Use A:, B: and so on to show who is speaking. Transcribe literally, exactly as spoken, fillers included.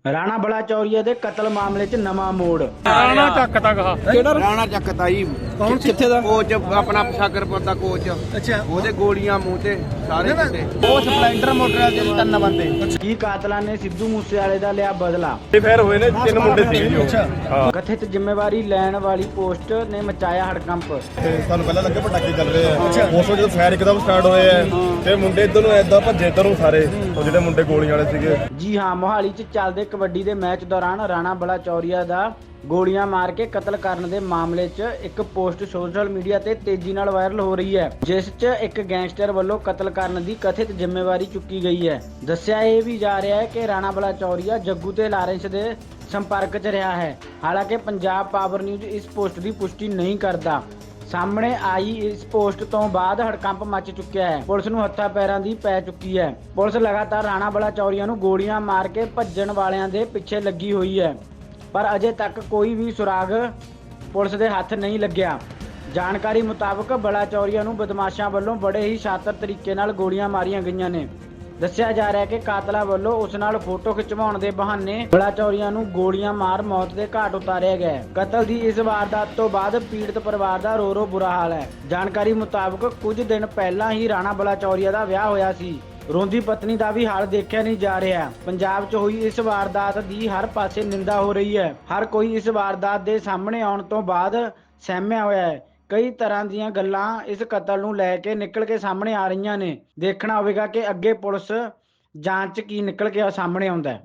A: ਰਾਣਾ ਬਲਾਚੌਰੀਆ ਦੇ ਕਤਲ ਮਾਮਲੇ 'ਚ ਨਵਾਂ ਮੋੜ।
B: ਰਾਣਾ ਚੱਕ ਤੱਕ ਹਾ
C: ਕਿਹੜਾ ਰਾਣਾ ਚੱਕਤਾ ਜੀ?
B: ਕੌਣ ਸੀ?
C: ਕਿੱਥੇ ਦਾ ਕੋਚ? ਆਪਣਾ ਸ਼ਾਗਰਪੁਰ ਦਾ ਕੋਚ।
B: ਅੱਛਾ
C: ਉਹਦੇ ਗੋਲੀਆਂ ਮੂੰਹ ਤੇ ਸਾਰੇ ਕਿਤੇ। ਉਹ ਸਪਲੈਂਡਰ ਮੋਟਰ ਦੇ ਤਿੰਨ ਬੰਦੇ।
A: ਕੀ ਕਾਤਲਾਂ ਨੇ ਸਿੱਧੂ ਮੂਸੇਵਾਲੇ ਦਾ ਲਿਆ ਬਦਲਾ?
D: ਫੇਰ ਹੋਏ ਨੇ ਤਿੰਨ ਮੁੰਡੇ ਸੀਗੇ ਜੀ ਉਹ। ਹਾਂ
A: ਕਥਿਤ ਜ਼ਿੰਮੇਵਾਰੀ ਲੈਣ ਵਾਲੀ ਪੋਸਟ ਨੇ ਮਚਾਇਆ ਹੜਕੰਪ।
D: ਤੇ ਸਾਨੂੰ ਪਹਿਲਾਂ ਲੱਗੇ ਪਟਾਕੇ ਚੱਲ ਰਹੇ ਆ, ਉਸ ਤੋਂ ਜਦੋਂ ਫਾਇਰ ਇੱਕਦਮ ਸਟਾਰਟ ਹੋਏ ਆ ਤੇ ਮੁੰਡੇ ਇੱਧਰ ਨੂੰ ਏਦਾਂ ਭੱਜੇ ਇੱਧਰ ਨੂੰ ਸਾਰੇ, ਉਹ ਜਿਹੜੇ ਮੁੰਡੇ ਗੋਲੀਆਂ ਵਾਲੇ ਸੀਗੇ।
A: ਜੀ ਹਾਂ, ਮੋਹਾਲੀ 'ਚ ਚੱਲਦੇ ਕਬੱਡੀ ਦੇ ਮੈਚ ਦੌਰਾਨ ਰਾਣਾ ਬਲਾਚੌਰੀਆ ਦਾ ਗੋਲੀਆਂ ਮਾਰ ਕੇ ਕਤਲ ਕਰਨ ਦੇ ਮਾਮਲੇ 'ਚ ਇੱਕ ਪੋਸਟ ਸੋਸ਼ਲ ਮੀਡੀਆ ਤੇ ਤੇਜ਼ੀ ਨਾਲ ਵਾਇਰਲ ਹੋ ਰਹੀ ਹੈ, ਜਿਸ 'ਚ ਇੱਕ ਗੈਂਗਸਟਰ ਵੱਲੋਂ ਕਤਲ ਕਰਨ ਦੀ ਕਥਿਤ ਜ਼ਿੰਮੇਵਾਰੀ ਚੁੱਕੀ ਗਈ ਹੈ। ਦੱਸਿਆ ਇਹ ਵੀ ਜਾ ਰਿਹਾ ਹੈ ਕਿ ਰਾਣਾ ਬਲਾਚੌਰੀਆ ਜੱਗੂ ਤੇ ਲਾਰੈਂਸ ਦੇ ਸੰਪਰਕ 'ਚ ਰਿਹਾ ਹੈ। ਹਾਲਾਂਕਿ ਪੰਜਾਬ ਪਾਵਰ ਨਿਊਜ਼ ਇਸ ਪੋਸਟ ਦੀ ਪੁਸ਼ਟੀ ਨਹੀਂ ਕਰਦਾ। ਸਾਹਮਣੇ ਆਈ ਇਸ ਪੋਸਟ ਤੋਂ ਬਾਅਦ ਹੜਕੰਪ ਮਚ ਚੁੱਕਿਆ ਹੈ। ਪੁਲਿਸ ਨੂੰ ਹੱਥਾਂ ਪੈਰਾਂ ਦੀ ਪੈ ਚੁੱਕੀ ਹੈ। ਪੁਲਿਸ ਲਗਾਤਾਰ ਰਾਣਾ ਬਲਾਚੌਰੀਆ ਨੂੰ ਗੋਲੀਆਂ ਮਾਰ ਕੇ ਭੱਜਣ ਵਾਲਿਆਂ ਦੇ ਪਿੱਛੇ ਲੱਗੀ ਹੋਈ ਹੈ, ਪਰ ਅਜੇ ਤੱਕ ਕੋਈ ਵੀ ਸੁਰਾਗ ਪੁਲਿਸ ਦੇ ਹੱਥ ਨਹੀਂ ਲੱਗਿਆ। ਜਾਣਕਾਰੀ ਮੁਤਾਬਕ ਬਲਾਚੌਰੀਆ ਨੂੰ ਬਦਮਾਸ਼ਾਂ ਵੱਲੋਂ ਬੜੇ ਹੀ ਸ਼ਾਤਰ ਤਰੀਕੇ ਨਾਲ ਗੋਲੀਆਂ ਮਾਰੀਆਂ ਗਈਆਂ ਨੇ। ਦੱਸਿਆ ਜਾ ਰਿਹਾ ਹੈ ਕਿ ਕਾਤਲਾਂ ਵੱਲੋਂ ਉਸ ਨਾਲ ਫੋਟੋ ਖਿਚਵਾਉਣ ਦੇ ਬਹਾਨੇ ਬਲਾਚੌਰੀਆ ਨੂੰ ਗੋਲੀਆਂ ਮਾਰ ਮੌਤ ਦੇ ਘਾਟ ਉਤਾਰਿਆ ਗਿਆ ਹੈ। ਕਤਲ ਦੀ ਇਸ ਵਾਰਦਾਤ ਤੋਂ ਬਾਅਦ ਪੀੜਤ ਪਰਿਵਾਰ ਦਾ ਰੋ ਰੋ ਬੁਰਾ ਹਾਲ ਹੈ। ਜਾਣਕਾਰੀ ਮੁਤਾਬਕ ਕੁਝ ਦਿਨ ਪਹਿਲਾਂ ਹੀ ਰਾਣਾ ਬਲਾਚੌਰੀਆ ਦਾ ਵਿਆਹ ਹੋਇਆ ਸੀ। ਰੋਂਦੀ ਪਤਨੀ ਦਾ ਵੀ ਹਾਲ ਦੇਖਿਆ ਨਹੀਂ ਜਾ ਰਿਹਾ। ਪੰਜਾਬ 'ਚ ਹੋਈ ਇਸ ਵਾਰਦਾਤ ਦੀ ਹਰ ਪਾਸੇ ਨਿੰਦਾ ਹੋ ਰਹੀ ਹੈ। ਹਰ ਕੋਈ ਇਸ ਵਾਰਦਾਤ ਦੇ ਸਾਹਮਣੇ ਆਉਣ ਤੋਂ ਬਾਅਦ ਸਹਿਮਿਆ ਹੋਇਆ ਹੈ। ਕਈ ਤਰ੍ਹਾਂ ਦੀਆਂ ਗੱਲਾਂ ਇਸ ਕਤਲ ਨੂੰ ਲੈ ਕੇ ਨਿਕਲ ਕੇ ਸਾਹਮਣੇ ਆ ਰਹੀਆਂ ਨੇ। ਦੇਖਣਾ ਹੋਵੇਗਾ ਕਿ ਅੱਗੇ ਪੁਲਿਸ ਜਾਂਚ 'ਚ ਕੀ ਨਿਕਲ ਕੇ ਸਾਹਮਣੇ ਆਉਂਦਾ ਹੈ।